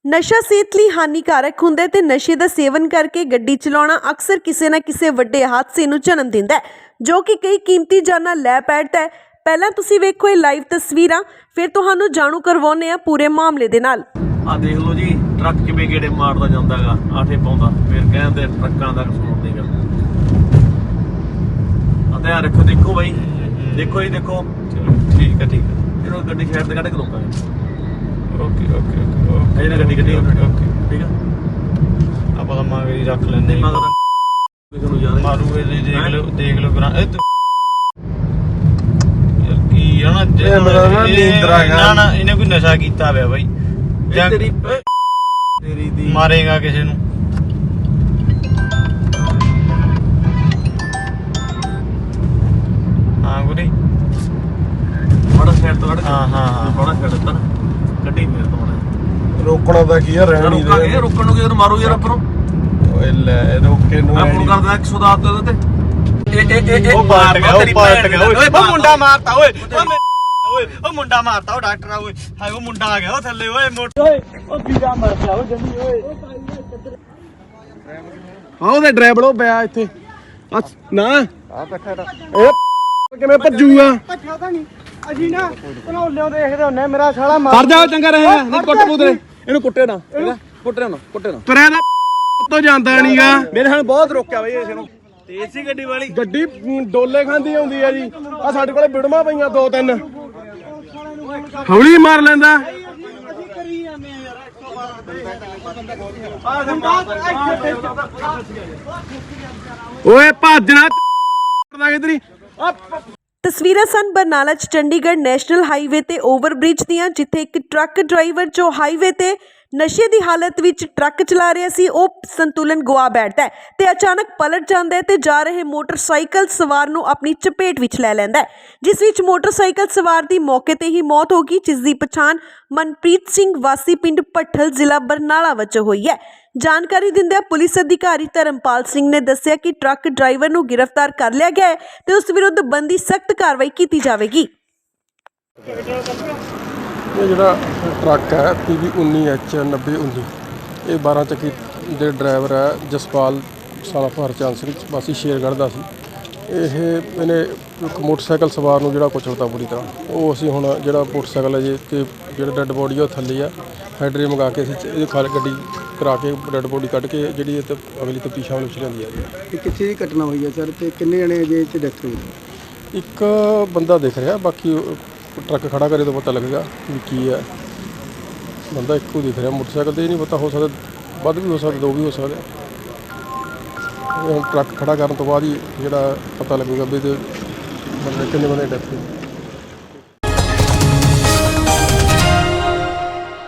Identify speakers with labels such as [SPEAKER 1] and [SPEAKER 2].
[SPEAKER 1] ਨਸ਼ਾ ਸਿਹਤ ਲਈ ਹਾਨੀਕਾਰਕ ਹੁੰਦਾ ਹੈ ਤੇ ਨਸ਼ੇ ਦਾ ਸੇਵਨ ਕਰਕੇ ਗੱਡੀ ਚਲਾਉਣਾ ਅਕਸਰ ਕਿਸੇ ਨਾ ਕਿਸੇ ਵੱਡੇ ਹਾਦਸੇ ਨੂੰ ਜਨਮ ਦਿੰਦਾ ਹੈ ਜੋ ਕਿ ਕਈ ਕੀਮਤੀ ਜਾਨਾਂ ਲੈ ਬੈਠਦਾ ਹੈ। ਪਹਿਲਾਂ ਤੁਸੀਂ ਵੇਖੋ ਇਹ ਲਾਈਵ ਤਸਵੀਰਾਂ, ਫਿਰ ਤੁਹਾਨੂੰ ਜਾਣੂ ਕਰਵਾਉਂਦੇ ਆ ਪੂਰੇ ਮਾਮਲੇ ਦੇ ਨਾਲ।
[SPEAKER 2] ਆ ਦੇਖ ਲਓ ਜੀ, ਟਰੱਕ ਕਿਵੇਂ ਗੇੜੇ ਮਾਰਦਾ ਜਾਂਦਾ ਹੈਗਾ, ਆਠੇ ਪਾਉਂਦਾ, ਫਿਰ ਕਹਿੰਦੇ ਟਰੱਕਾਂ ਦਾ ਕਸੂਰ ਨਹੀਂ ਗਾ। ਆ ਧਿਆਨ ਰੱਖੋ, ਦੇਖੋ ਬਾਈ, ਦੇਖੋ ਜੀ, ਦੇਖੋ।
[SPEAKER 3] ਠੀਕ ਹੈ
[SPEAKER 2] ਇਹਨੂੰ ਗੱਡੀ ਸਾਈਡ ਤੇ ਕੱਢ ਕੇ ਰੋਕਾਂਗੇ।
[SPEAKER 3] ਓਕੇ
[SPEAKER 2] ਅਜੇ ਨਾ ਗੱਡੀ
[SPEAKER 3] ਓਕੇ
[SPEAKER 2] ਠੀਕ ਆ।
[SPEAKER 3] ਆਪਾਂ ਤਾਂ ਮੰਗ ਹੀ ਰੱਖ ਲੈਂਦੇ
[SPEAKER 2] ਕਿਸੇ ਨੂੰ ਯਾਦ
[SPEAKER 3] ਮਾਰੂ ਇਹ ਦੇਖ ਲਓ ਕਰਾਂ ਇਹ ਕੀ ਆ ਨਾ ਨਾ ਇਹਨੇ ਕੋਈ ਨਸ਼ਾ ਕੀਤਾ ਹੋਇਆ ਬਾਈ ਜਾਂ
[SPEAKER 2] ਤੇਰੀ ਦੀ
[SPEAKER 3] ਮਾਰੇਗਾ ਕਿਸੇ ਨੂੰ। ਹਾਂ ਗੁਰੀ
[SPEAKER 2] ਬੜਾ ਸਾਈਡ ਤੋਂ ਕੱਢ ਕੇ
[SPEAKER 3] ਹਾਂ
[SPEAKER 2] ਬੜਾ ਸਾਈਡ ਤੋਂ ਗੱਡੀ ਫੇਰ ਤੋਂ
[SPEAKER 4] ਰੋਕਣਾ ਤਾਂ ਕੀ ਆ, ਰਹਿਣ ਨਹੀਂ ਦੇ।
[SPEAKER 2] ਰੁਕਣ ਨੂੰ ਕਿਧਰ ਮਾਰੂ ਯਾਰ ਆਪਰੋਂ।
[SPEAKER 4] ਓਏ ਲੈ ਰੋਕੇ ਨੂੰ
[SPEAKER 2] ਮੈਂ ਫੋਨ ਕਰਦਾ 110 ਤੇ ਉਹਦੇ ਤੇ
[SPEAKER 3] ਉਹ ਪਾਟ ਗਿਆ ਓਏ ਮੁੰਡਾ ਮਾਰਤਾ ਓਏ ਉਹ ਮੁੰਡਾ ਮਾਰਤਾ ਉਹ ਡਾਕਟਰ ਆ ਓਏ ਹਾਏ ਉਹ ਮੁੰਡਾ ਆ ਗਿਆ ਉਹ ਥੱਲੇ ਓਏ ਓਏ ਉਹ ਵੀਰਾ ਮਰ ਗਿਆ ਉਹ ਜੰਦੀ ਓਏ
[SPEAKER 4] ਹਾਂ ਉਹਦੇ ਡਰਾਈਵਰ ਉਹ ਪਿਆ ਇੱਥੇ ਨਾ ਆ ਕੱਠਾ ਇਹ ਕਿਵੇਂ ਭੱਜੂਗਾ?
[SPEAKER 5] ਪਤਾ ਨਹੀਂ ਅਸੀਂ ਨਾ ਭਨੋਲਿਓ ਦੇਖਦੇ ਹੁੰਨੇ ਮੇਰਾ ਸਾਲਾ ਮਾਰ
[SPEAKER 4] ਸਰ ਜਾ ਚੰਗਾ ਰਹੇ ਨਹੀਂ ਕੁੱਟ ਪੁੱਤਰੇ ਇਹਨੂੰ ਕੁੱਟੇ ਨਾ ਕੁੱਟੇ ਨਾ ਤੁਰਿਆ ਦਾ ਤੋਂ ਜਾਂਦਾ ਨਹੀਂਗਾ। ਮੇਰੇ ਨਾਲ ਬਹੁਤ ਰੋਕਿਆ ਬਈ ਇਸ ਨੂੰ।
[SPEAKER 3] ਤੇਜ਼ ਸੀ ਗੱਡੀ ਵਾਲੀ
[SPEAKER 4] ਗੱਡੀ ਡੋਲੇ ਖਾਂਦੀ ਆਉਂਦੀ ਆ ਜੀ। ਆ ਸਾਡੇ ਕੋਲੇ ਬਿੜਮਾ ਪਈਆਂ ਦੋ ਤਿੰਨ, ਹੌਲੀ ਮਾਰ ਲੈਂਦਾ। ਓਏ ਭੱਜਣਾ ਕਿਧਰੀ।
[SPEAKER 1] ਤਸਵੀਰਾਂ ਸਨ ਬਰਨਾਲਾ 'ਚ ਚੰਡੀਗੜ੍ਹ ਨੈਸ਼ਨਲ ਹਾਈਵੇ ਤੇ ਓਵਰਬ੍ਰਿਜ ਦੀਆਂ, ਜਿੱਥੇ ਇੱਕ ਟਰੱਕ ਡਰਾਈਵਰ ਜੋ ਹਾਈਵੇ ਤੇ ਨਸ਼ੇ ਦੀ ਹਾਲਤ ਵਿੱਚ ਟਰੱਕ ਚਲਾ ਰਿਹਾ ਸੀ ਉਹ ਸੰਤੁਲਨ ਗਵਾ ਬੈਠਦਾ ਹੈ ਤੇ ਅਚਾਨਕ ਪਲਟ ਜਾਂਦਾ ਹੈ ਤੇ ਜਾ ਰਹੇ ਮੋਟਰਸਾਈਕਲ ਸਵਾਰ ਨੂੰ ਆਪਣੀ ਚਪੇਟ ਵਿੱਚ ਲੈ ਲੈਂਦਾ ਹੈ, ਜਿਸ ਵਿੱਚ ਮੋਟਰਸਾਈਕਲ ਸਵਾਰ ਦੀ ਮੌਕੇ ਤੇ ਹੀ ਮੌਤ ਹੋ ਗਈ, ਜਿਸ ਦੀ ਪਛਾਣ ਮਨਪ੍ਰੀਤ ਸਿੰਘ ਵਾਸੀ ਪਿੰਡ ਭੱਠਲ ਜ਼ਿਲ੍ਹਾ ਬਰਨਾਲਾ ਵਜੋਂ ਹੋਈ ਹੈ। ਜਾਣਕਾਰੀ ਦਿੰਦਿਆਂ ਪੁਲਿਸ ਅਧਿਕਾਰੀ ਧਰਮਪਾਲ ਸਿੰਘ ਨੇ ਦੱਸਿਆ ਕਿ ਟਰੱਕ ਡਰਾਈਵਰ ਨੂੰ ਗ੍ਰਿਫਤਾਰ ਕਰ ਲਿਆ ਗਿਆ ਹੈ ਤੇ ਉਸ ਵਿਰੁੱਧ ਬਣਦੀ ਸਖਤ ਕਾਰਵਾਈ ਕੀਤੀ ਜਾਵੇਗੀ।
[SPEAKER 4] ਇਹ ਜਿਹੜਾ ਟਰੱਕ ਹੈ PV 19H9019 ਇਹ 12 ਚੱਕੀ ਦੇ ਡਰਾਈਵਰ ਹੈ ਜਸਪਾਲ ਸਾਲਾ ਹਰਚੰਦ ਸਿੰਘ ਵਾਸੀ ਸ਼ੇਰਗੜ੍ਹ ਦਾ ਸੀ। ਇਹਨੇ ਇੱਕ ਮੋਟਰਸਾਈਕਲ ਸਵਾਰ ਨੂੰ ਜਿਹੜਾ ਕੁਚਲਤਾ ਪੂਰੀ ਤਰ੍ਹਾਂ, ਉਹ ਅਸੀਂ ਹੁਣ ਜਿਹੜਾ ਮੋਟਰਸਾਈਕਲ ਹੈ ਜੀ ਤੇ ਜਿਹੜਾ ਡੈੱਡ ਬੋਡੀ ਉਹ ਥੱਲੇ ਆ, ਹੈਡਰੇ ਮੰਗਾ ਕੇ ਅਸੀਂ ਇਹਦੀ ਗੱਡੀ ਕਰਾ ਕੇ ਡੈੱਡ ਬੋਡੀ ਕੱਢ ਕੇ ਜਿਹੜੀ ਇਹ ਅਗਲੀ ਤਫਤੀਸ਼ ਸ਼ਾਮਲ ਵਿੱਚ ਲਿਆਂਦੀ ਹੈ ਜੀ।
[SPEAKER 5] ਕਿੱਥੇ ਦੀ ਘਟਨਾ ਹੋਈ ਹੈ ਸਰ ਤੇ ਕਿੰਨੇ ਜਣੇ ਅਜੇ ਇੱਥੇ ਡੈਥ ਹੋਈ?
[SPEAKER 4] ਇੱਕ ਬੰਦਾ ਦਿਖ ਰਿਹਾ, ਬਾਕੀ ਟਰੱਕ ਖੜਾ ਕਰੇ ਤਾਂ ਪਤਾ ਲੱਗੇਗਾ ਵੀ ਕੀ ਹੈ। ਬੰਦਾ ਇੱਕੋ ਦਿਖ ਰਿਹਾ ਮੋਟਰਸਾਈਕਲ ਤੇ, ਇਹ ਨਹੀਂ ਪਤਾ, ਹੋ ਸਕਦਾ ਵੱਧ ਵੀ ਹੋ ਸਕਦਾ, ਦੋ ਵੀ ਹੋ ਸਕਦਾ। ਹੁਣ ਟਰੱਕ ਖੜਾ ਕਰਨ ਤੋਂ ਬਾਅਦ ਹੀ ਜਿਹੜਾ ਪਤਾ ਲੱਗੇਗਾ ਵੀ ਇਹਦੇ ਬੰਦੇ ਕਿੰਨੇ ਬੰਦੇ ਡੈਥ ਹੋਈ।